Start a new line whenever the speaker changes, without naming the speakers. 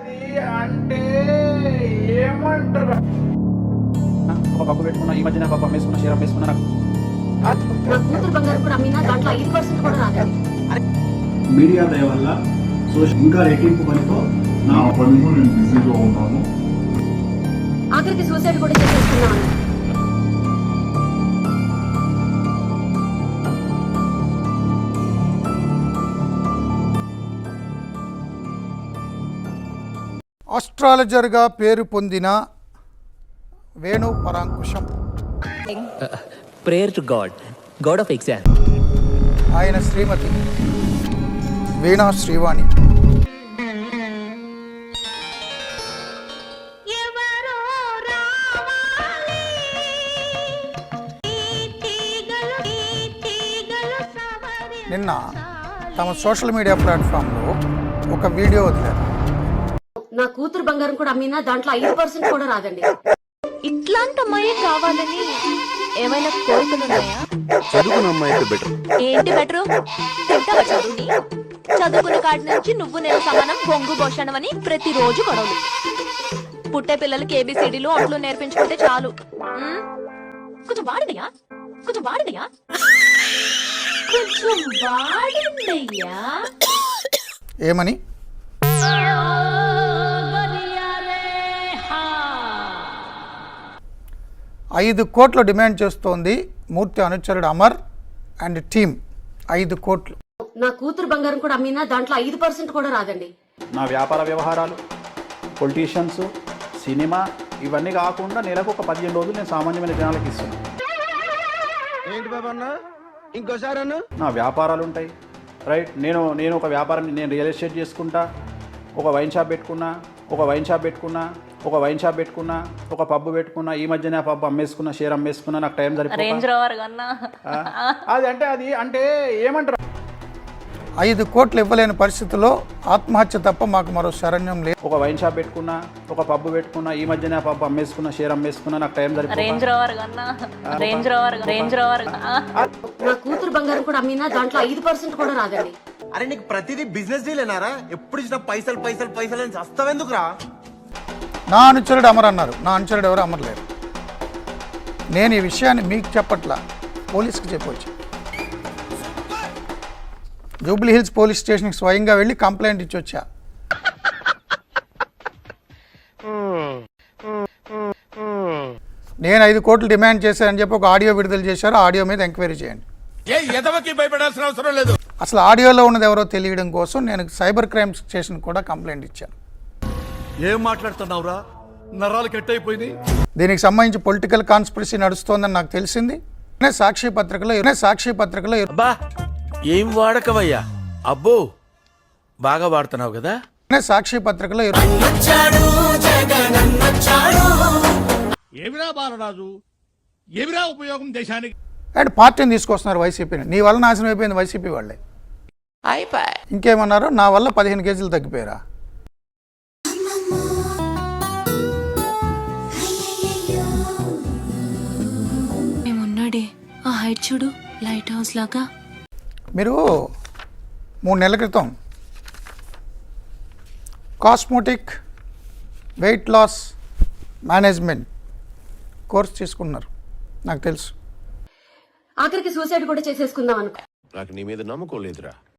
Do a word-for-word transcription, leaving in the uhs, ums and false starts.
అది అంటే ఏమంటారు? ఒక పప్పు పెట్టుకున్నా, ఈ మధ్యన పప్పు అమ్మేసుకున్నా, షేర్ అమ్మేసుకున్నా.
నా కూతురు బంగారం కూడా అమ్మినా దాంట్లో ఐదు పర్సెంట్ కూడా రాదండి.
మీడియా దయ వల్ల సోషల్ ఇంకా రెట్టింపు పనితో
నా పనిలో నేను బిజీగా ఉన్నాను.
ఆఖరికి సూసైడ్ కూడా చేసేసుకున్నాను.
ఆస్ట్రాలజర్గా పేరు పొందిన Venu Parankusam.
Prayer to God, God of exam.
ఆయన శ్రీమతి వీణా శ్రీవాణి. నిన్న తమ సోషల్ మీడియా ప్లాట్ఫామ్లో ఒక వీడియో వదిలారు.
నా కూతురు బంగారం కూడా అమ్మినా దాంట్లో ఐదు పర్సెంట్ కూడా రాదండి.
ఇట్లాంటి అమ్మాయి కావాలని ఏమైనా కోరికలు ఉన్నాయా?
చదువుకున్న అమ్మాయి బెటర్.
ఏంటి బెటరు? తింటావా చదువుని? చదువుకున్న కాడి నుంచి నువ్వు నేను సమానం, బొంగు భోషణం అని ప్రతిరోజు గొడవలు. పుట్టే పిల్లలకి ఏబిసిడీలు అట్లు నేర్పించుకుంటే చాలు. ఉమ్, కొంచెం వాడినయా కొంచెం వాడినయా కొంచెం వాడిందయ్యా.
ఏమని? ఐదు కోట్లు డిమాండ్ చేస్తోంది మూర్తి అనుచరుడు అమర్ అండ్ టీమ్. ఐదు కోట్లు.
నా కూతురు బంగారం కూడా అమ్మినా దాంట్లో ఐదు పర్సెంట్ కూడా రాదండి.
నా వ్యాపార వ్యవహారాలు, పొలిటీషియన్స్, సినిమా ఇవన్నీ కాకుండా నెలకు ఒక పదిహేను రోజులు నేను సామాన్యమైన జనాలకు ఇస్తున్నాను.
ఏంటి బాబా అన్న ఇంకోసారి అన్న?
నా వ్యాపారాలు ఉంటాయి, రైట్. నేను నేను ఒక వ్యాపారం, నేను రియల్ ఎస్టేట్ చేసుకుంటా, ఒక వైన్ షాప్ పెట్టుకున్నా ఒక వైన్ షాప్ పెట్టుకున్నా ఒక వైన్ షాప్ పెట్టుకున్నా ఒక పబ్బు పెట్టుకున్నా, ఈ మధ్యన పబ్బు అమ్మేసుకున్నా, షేర్ అమ్మేసుకున్నా. నాకు టైం సరిపోతుంది. అది అంటే అది అంటే ఏమంటారు?
ఐదు కోట్లు ఇవ్వలేని పరిస్థితుల్లో ఆత్మహత్య తప్ప మాకు మరో శరణ్యం లేదు.
ఒక వైన్ షాప్ పెట్టుకున్నా, ఒక పబ్బు పెట్టుకున్నా, ఈ మధ్యన పబ్బు అమ్మేసుకున్నా, షేర్ అమ్మేసుకున్నా. నాకు టైం సరిపోతుంది.
నా కూతురు బంగారం కూడా అమ్మినా దాంట్లో ఐదు పర్సెంట్ కూడా రాదండి.
అరే నీకు ప్రతిదీ బిజినెస్ డీలేనారా? ఎప్పుడు ఇచ్చిన పైసలు పైసలు పైసలు అని చస్తావెందుకురా?
నా అనుచరుడు అమర్ అన్నారు. నా అనుచరుడు ఎవరు అమర్ లేరు. నేను ఈ విషయాన్ని మీకు చెప్పట్లా, పోలీస్కి చెప్పవచ్చు. జూబ్లీ హిల్స్ పోలీస్ స్టేషన్కి స్వయంగా వెళ్ళి కంప్లైంట్ ఇచ్చి వచ్చా. నేను ఐదు కోట్లు డిమాండ్ చేశానని చెప్పి ఒక ఆడియో విడుదల చేశారు. ఆడియో మీద ఎంక్వైరీ చేయండి.
భయపడాల్సిన అవసరం లేదు.
అసలు ఆడియోలో ఉన్నది ఎవరో తెలియడం కోసం నేను సైబర్ క్రైమ్ స్టేషన్ కూడా కంప్లైంట్ ఇచ్చాను.
ఏం మాట్లాడుతున్నావురా? నరాలు కట్ అయిపోయింది.
దీనికి సంబంధించి పొలిటికల్ కాన్స్పిరసీ నడుస్తోందని నాకు తెలిసింది. సాక్షి పత్రికలో సాక్షి పత్రికలో
అబ్బా ఏం వాడకవయ్యా? అబ్బో బాగా వాడుతున్నావు కదా.
సాక్షి పత్రికలో
ఏమిరా బాలరాజు, ఏమిరా ఉపయోగం దేశానికి?
అండ్ పార్టీని తీసుకొస్తున్నారు వైసీపీని. నీ వల్ల నాశనం అయిపోయింది వైసీపీ వాళ్ళే. ఇంకేమన్నారు? నా వల్ల పదిహేను కేజీలు తగ్గిపోయారా?
మేమున్నాడే ఆ హైట్ చూడు, లైట్ హౌస్ లాగా.
మీరు మూడు నెలల క్రితం cosmetic weight loss management course తీసుకున్నారు, నాకు తెలుసు.
ఆఖరికి సూసైడ్ కూడా చేసేసుకుందాం అనుకో.
నాకు నీ మీద నమ్మకం లేదురా.